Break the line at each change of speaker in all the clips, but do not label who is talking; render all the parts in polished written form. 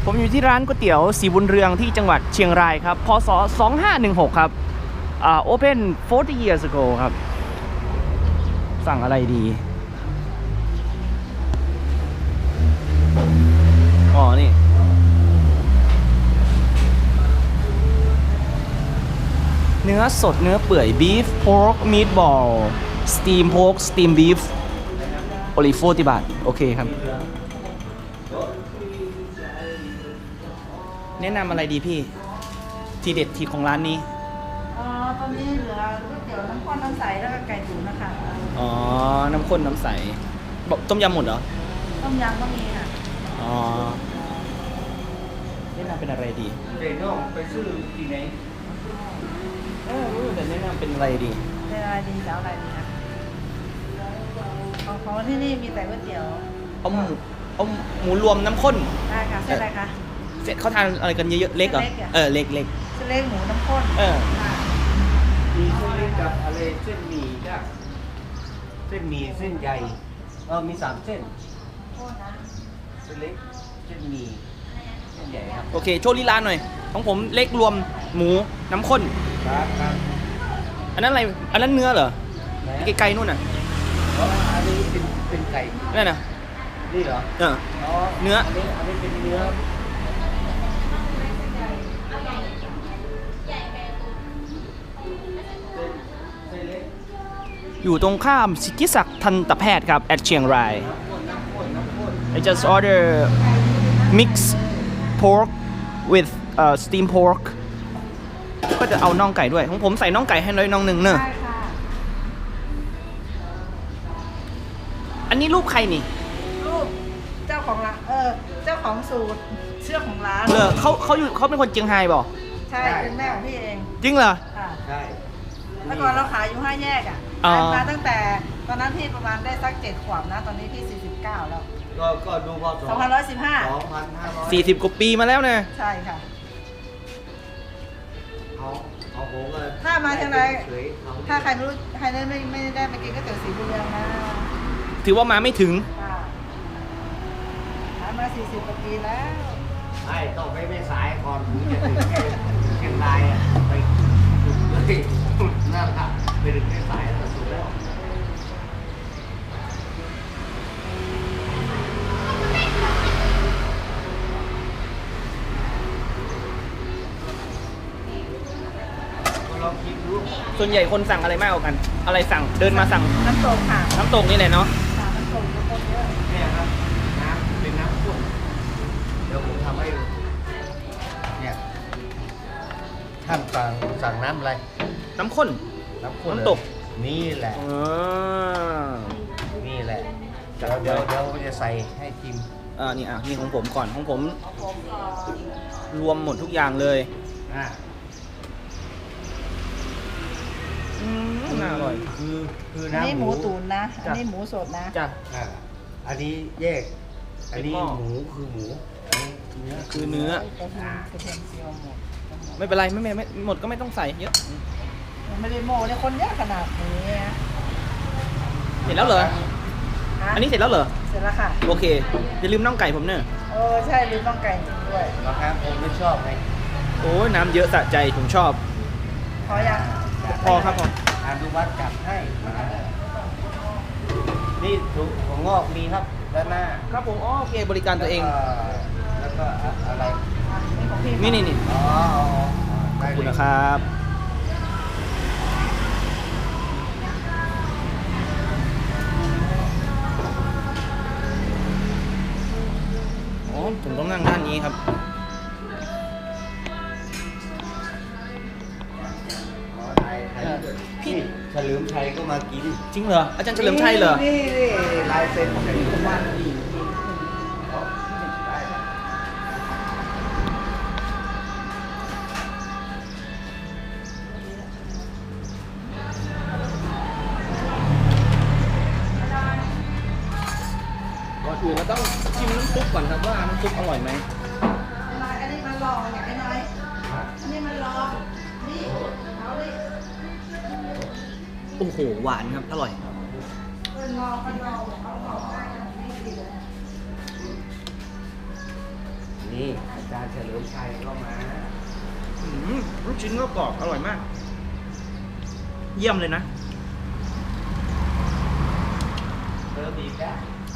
ผมอยู่ที่ร้านก๋วยเตี๋ยวสีบุญเรืองที่จังหวัดเชียงรายครับพศ2516ครับopen 40 years ago ครับสั่งอะไรดีอ๋อนี่เนื้อสดเนื้อเปื่อย beef pork meatball steam pork steam beef โอลิโฟ40 บาทโอเคครับแนะนำอะไรดีพี่ทีเด็ดทีของร้านนี้
ตอนนี้เหลือก๋วยเตี๋ยวน้ำข้นน้ำใสแล้วก็ไก่ตุ๋นนะคะ
อ๋อน้ำข้นน้ำใสบอกต้มยำหมดเหรอ
ต้มยำก็มีค่ะ
อ๋อแนะนำเป็นอะไรดี
เดี๋ยวน้องไปซื้อที่ไหน
แต่แนะนำเป็นอะไรดี
เป็นอะไรดีจะเอาอะไรดีคะของที่นี่มีแต่ก๋วยเตี๋ยว
เอาหมูรวมน้ำข้น
ได้ค่ะเส้นอะไรคะ
เสร็จเขาทานอะไรกันเยอะๆเล็กเหรอเล็ก
เส้นเล็กหมูน้ำข้น
มีเส้นเล็กกับอะไรเส้นหมี่จ้ะเส้นหมี่เส้นใหญ่มี3 เส้นเส้นเล็กเส้นหมี่เส้นใหญ่ครับ
โอเคโชว์ลีลาหน่อยของผมเล็กรวมหมูน้ำข้น
ครับ
อันนั้นอะไรอันนั้นเนื้อเหรอไกลๆนู่นน่ะ
อันนี้เป็นไก่
นั่นน่ะ
นี่เหรอ
เนื้อ
อันนี้เป็นเนื้อ
อยู่ตรงข้ามสิทธิศักดิ์ทันตแพทย์ครับ at เชียงราย I just order mixed pork with steamed pork ก็จะเอาน่องไก่ด้วยของผมใส่น่องไก่ให้น้อยน่องหนึ่งเนอะอันนี้รูปใครนี่
รูปเจ้าของร้านเจ้าของสูตรเชื่อของร้าน
เขาเป็นคนเชียงไฮ้บ่
ใช่เป็นแม่ของพี่เอง
จริงเหรอ
ใช่
แล้วก่อนเราขายอยู่5 แยกมาตั้งแต่ตอนนั้นพี่ประมาณได้สัก7 ขวบนะตอนนี้พี่49แล้ว
ก็ดูพอ
2515
40 กว่าปีมาแล้วนะ
ใช่ค่ะ
เอาผมเลย
ถ้ามาทางไหนถ้าใครไม่รู้ใครไม่ได้ไปกินก๋วยเตี๋ยวสีบุญเรืองนะ
ถือว่ามาไม่ถึง
ขายมา40 กว่าปีแล้ว
ต้องไปไม่สายก่อนถึงจะถึงเชียงรายไปสุดเลยนั่นค่ะไปถึงไม่สายแล้วสุดแล้ว
ส่วนใหญ่คนสั่งอะไรมากกว่ากันอะไรสั่งเดินมาสั่ง
น้ำตกค่ะ
น้ำตกนี่แหละเนาะ
น้ำตกคนเยอะ
เนี่ยครับน้ำเป็นน้ำข้นเดี๋ยวผมทำให้ดูเนี่ยท่านสั่งน้ำอะไร
น้ำข้น
น้
ำตก
นี่แหละนี่แหละเดี๋ยวจะใส่ให้ชิม
นี่ของผมก่อนของผมรวมหมดทุกอย่างเลยน่าอร่อย
คือ
น้ำ
นี่
หมูตุ๋นนะอันนี้หมูสดนะ
จ้ะ
อันนี้แยกอันนี้หมูคือหมูอันนี้เนื้อ
คือเนื้อไม่เป็นไรไม่หมดก็ไม่ต้องใส่เยอะ
ไม่ได้โม่เนี่ยคนเยอะขนาดนี้
เสร็จแล้วเหรออันนี้เสร็จแล้วเหรอ
เสร็จแล้วค่ะ
โอเคอย่าลืมน่องไก่ผมเนอะ
ใช่ลืมน่องไก่จริงด้วย
นะครับผมไม่ชอบไง
โอ้ยน้ำเยอะสะใจผมชอบ
พอยัง
พอครับผม
อนุวัฒน์จัดให้นี่ถั่วงอกมีครับด้านหน้า
ครับผมโอเคบริการตัวเอง
แล้วก็อะไร
นี่ขอบคุณนะครับผมต้องนั่งด้านนี้ครับ
พี่เฉลิมชัยก็มากิน
จริงเหรออาจารย์เฉลิมชัยเหรอ
นี่ลายเซ็นของที่บ้านดี
ก่อนอื่นเราต้องชิมน้ำซุปก่อนครับว่าน้ำซุปอร่อยไหม
อันนี้มันลองอย่างน้อยอันนี้มันลองนี่เอาดิ
โอ้โหหวานครับอร่อย
นนี่อาจารย์เฉลิมชัยก็มา
ลูกชิ้นก็กรอบอร่อยมาก เยี่ยมเลยนะ
เติมอีกได้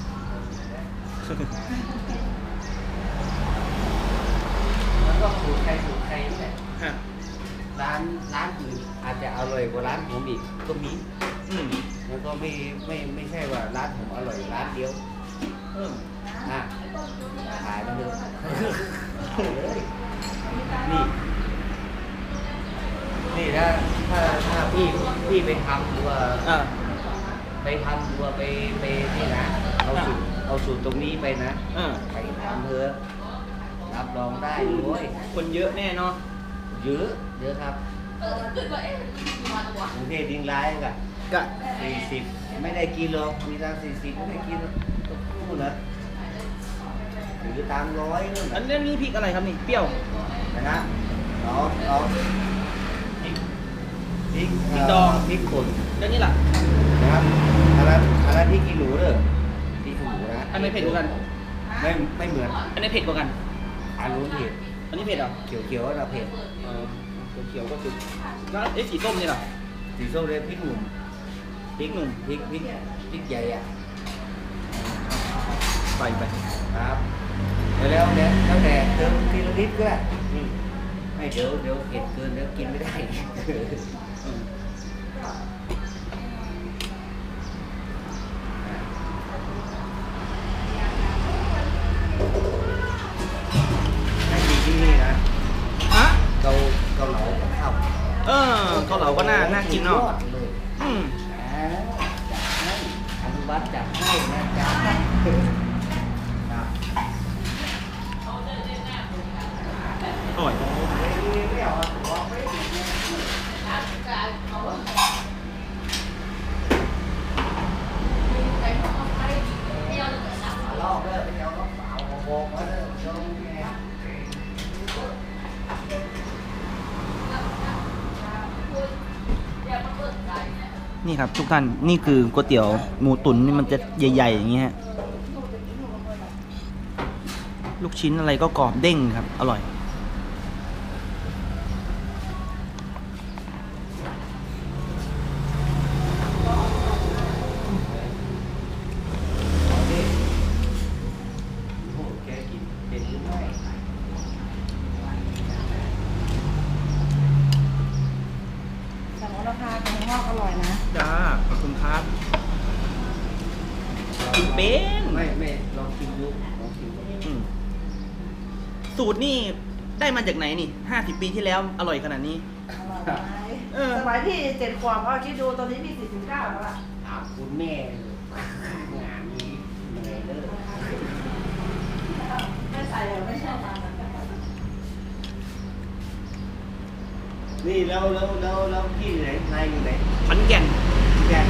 แล้วก็สูตรใครนี่แหละ
ฮะ
ร้านอื่นอาจจะอร่อยกว่าร้านผมอีกก็มี แล้วก็ไม่ใช่ว่าร้านผมอร่อยร้านเดียวอ่ะขายมาเลยนี่ถ้าพี่ไปทำตัวไปนี่นะเอาสูตรตรงนี้ไปนะไปทำเถอะรับรองได้ด้วย
คนเยอะแน่เนาะ
เยอะครับกรุงเทพดิงร้ายกะ
กะ
40ไม่ได้กินหรอกมีตัง40ไม่ได้กินต้องพูดนะหรือตามร้อยนู่น
อันนี้พริกอะไรครับนี่ เปรี้ยว
นะเราพริก
ดอง
พริกป่น
แล้วนี่ล่ะ
นะครับอันนั้นพริกขี้หนูเด้อพริกขี้หนูนะ
อันไหนเผ็ดกว่ากัน
ไม่เหมือน
อันไหนเผ็ดกว่ากัน
อันนู้นเผ็ด
อันนี้เผ็ดเหรอ
เขียวๆนะเผ็ด
เขียวก็คือแล้วสีส้มนี่ล่ะ
สีส้มเลยพริกหนุ่ม
พริกหนุ่ม
พริกใหญ่อ่ะ
ใส่ไป
ครับแล้วแต่เติมทีละนิดก็ได้ไม่เดี๋ยวเผ็ดเกินแล้วกินไม่ได้ให้กินที่นี่นะ
ฮะ
เกาเหลากับข้าว
เกาเหลาก็น่ากินเนาะ
ยอดเลย จัดให้อนุวัฒน์จัดให้นะจ๊ะครับ
อร่อย
ไม่เอาบอกไม่ลอกเลยไปเอาน้ำเปล่าบอกมาเลยชมแง่
นี่ครับทุกท่าน นี่คือก๋วยเตี๋ยวหมูตุ๋นนี่มันจะใหญ่ๆอย่างเงี้ย ลูกชิ้นอะไรก็กรอบเด้งครับ อร่อย
โอ้แกกินเป็นหรือไม่
สั่งโอราคาของงอกอร่อยนะ
จ้า ขอบคุณครับกินเป็น
ไม่ลองชิมดู
สูตรนี่ได้มาจากไหนนี่ 50 ปีที่แล้วอร่อยขนาดนี้
อร่อยไหม
เออ
สมัยพี่7 ขวบก็คิดดูตอนนี้พี่49แล้วล่ะ
ถามคุณแม่งานนี้เหนื่อยเลย
ไม่ใส่เหรอไม่ใช่ตามนั้น
นี่แล้วพี่อยู่ไหนนายอยู่ไหน
ขอนแก่น
แก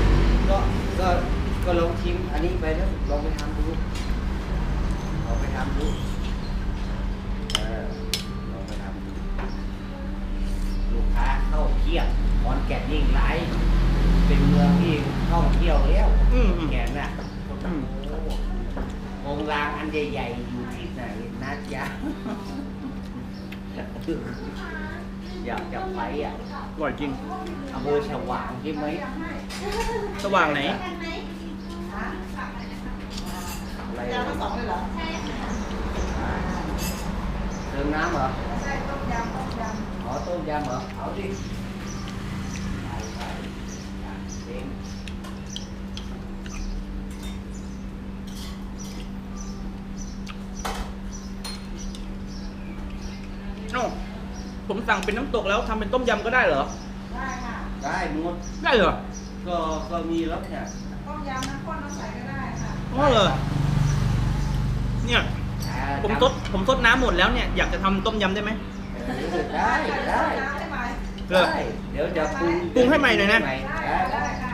ก็ลองชิมอันนี้ไปแล้วลองไปทำดูลองไปทำดูลองไปทำดูลูกค้าเข้าเที่ยวขอนแก่นยิ่งไรเป็นเมืองที่ท่องเที่ยวแล้วแก่นน่ะองค์รางอันใหญ่ๆอยู่ที่ไหนนะจ๊ะอยากจะไปอ่ะ
อร่อยจริง
อำเภอฉวางใช่ไหม
สว่างไหน
อะไร
ยำทั้งสองเลยเหรอ
เติมน้ำเหรอ
ใช่ต้มยำ
อ๋อต้มยำเหรอเอาดิไปเอง
โอ้ผมสั่งเป็นน้ำตกแล้วทำเป็นต้มยำก็ได้เหรอ
ได้ค่ะ
ได้หมด
ได้เหรอ
ก็มีแล้วเนี่ย
ต้มยำน้ำข้นน้ำใสก็ได้ค่ะ
อ๋อเหรอเนี่ยผมซดน้ำหมดแล้วเนี่ย อยากจะทำต้มยำได้ไหม
ได้
ได้ไหม
เหรอ
ได้เดี๋ยวจะปรุง
ปรุงให้ใหม่หน่อยนะ
ได้ได้ค่ะ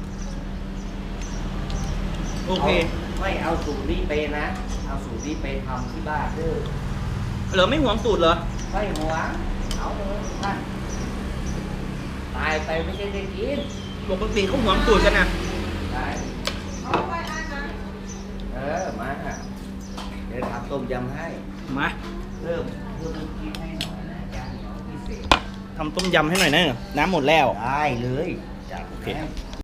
โอเค
ไม่เอาสูตรนี้ไปนะ เอาสูตรนี้ไปทำที่บ้านเด้อ
เหรอไม่หวงสูตรเหรอ
ไม่หวงเอาเลยท่านตายไปไม่ใช่ได้กิน
ปกติเขาหวงสูตรกันนะ
ได้
เอาไปอันนะ
มาเดี๋ยวจะทำต้มยำให้
มา
เพิ่มน้ำจิ้มให้หน่อยนะจานเหนียวพิเศษ
ทำต้มยำให้หน่อยนะน้ำหมดแล้ว
ได้เลยจัด
โอเค
ให้